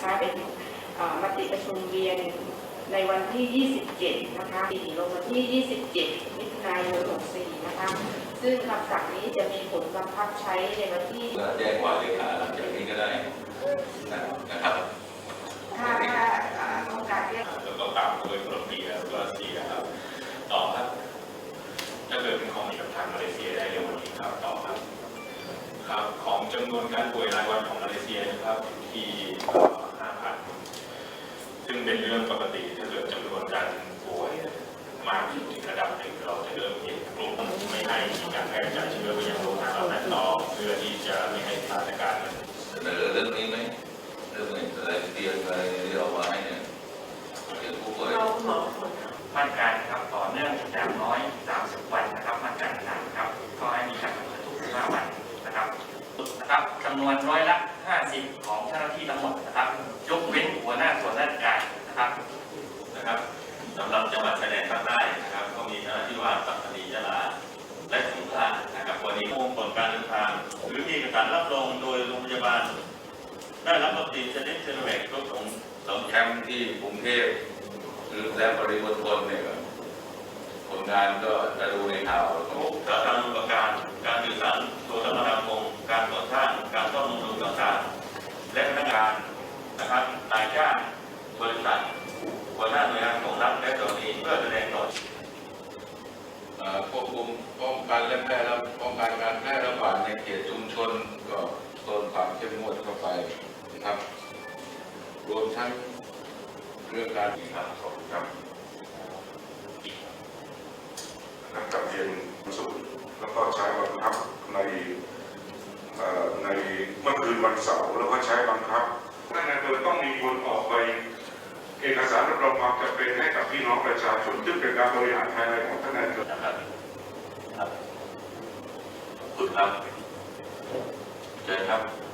นะคะเป็นมติประชุมเวียนในวันที่ 27 นะคะลงวันที่ 27 มิถุนายน 64 นะคะซึ่งคำสั่งนี้จะมีผลบังคับใช้ในวันที่แจ้งว่าเลขาหลังจากนี้ก็ได้นะครับถ้าต้องการเรียกแล้วก็ตามด้วยโคลอมเบียแล้วก็ซีเรียครับต่อครับถ้าเกิดเป็นของกับทางมาเลเซียได้เร็ววันนี้ครับต่อครับครับของจำนวนการป่วยรายวันของมาเลเซียนะครับที่ 5,000 ซึ่งเป็นเรื่องปกติถ้าเกิดจำนวนการป่วยมากถึงระดับหนึ่งเราจะเริ่มเห็นกลุ่มไม่ให้มีการแพร่กระจายเชื้อไปยังโรงงานเหล่านั้นต่อเพื่อที่จะไม่ให้สถานการณ์มันเสนอเรื่องนี้ไหมเรื่องอะไรเตียงอะไรที่เราไว้เนี่ยเตียงผู้ป่วยมาตรการครับต่อเนื่องอย่างน้อย30 วันนะครับมาตรการต่างๆครับก็ให้มีการประเมินทุก15 วันนะครับจำนวน50%ของเจ้าหน้าที่ทั้งหมดนะครับยกเว้นหัวหน้าส่วนราชการนะครับสำหรับจังหวัดชายแดนภาคใต้นะครับก็มีเจ้าหน้าที่ว่าปัตตานียะลาและสงขลานะครับวันนี้ผลการเดินทางหรือมีเอกสารรับรองโดยโรงพยาบาลได้รับวัคซีนชนิดซีโนแวคครบของ 2 แคมป์ที่กรุงเทพหรือและปริมณฑลเนี่ยผลงานก็จะดูในข่าวการอุปการการสื่อสารโทรคมนาคมการก่อสร้างการซ่อมบำรุงต่างๆและพนักงานนะครับนายจ้างบริษัทหัวหน้าหน่วยงานของรัฐและเจ้าหน้าที่เพื่อแสดงต่อควบคุมป้องกันและป้องกันการแพร่ระบาดในเขตชุมชนก็เพิ่มความเข้มงวดเข้าไปนะครับรวมทั้งเรื่องการครับกับเรียนสูตรแล้วก็ใช้บังคับในเมื่อคืนวันเสาร์แล้วก็ใช้บังคับท่านนายอำเภอต้องมีคนออกไปเอกสารรับรองความจำเป็นให้กับพี่น้องประชาชนซึ่งเป็นการบริหารภายในของท่านนายอำเภอนะครับขอบคุณครับเชิญครับ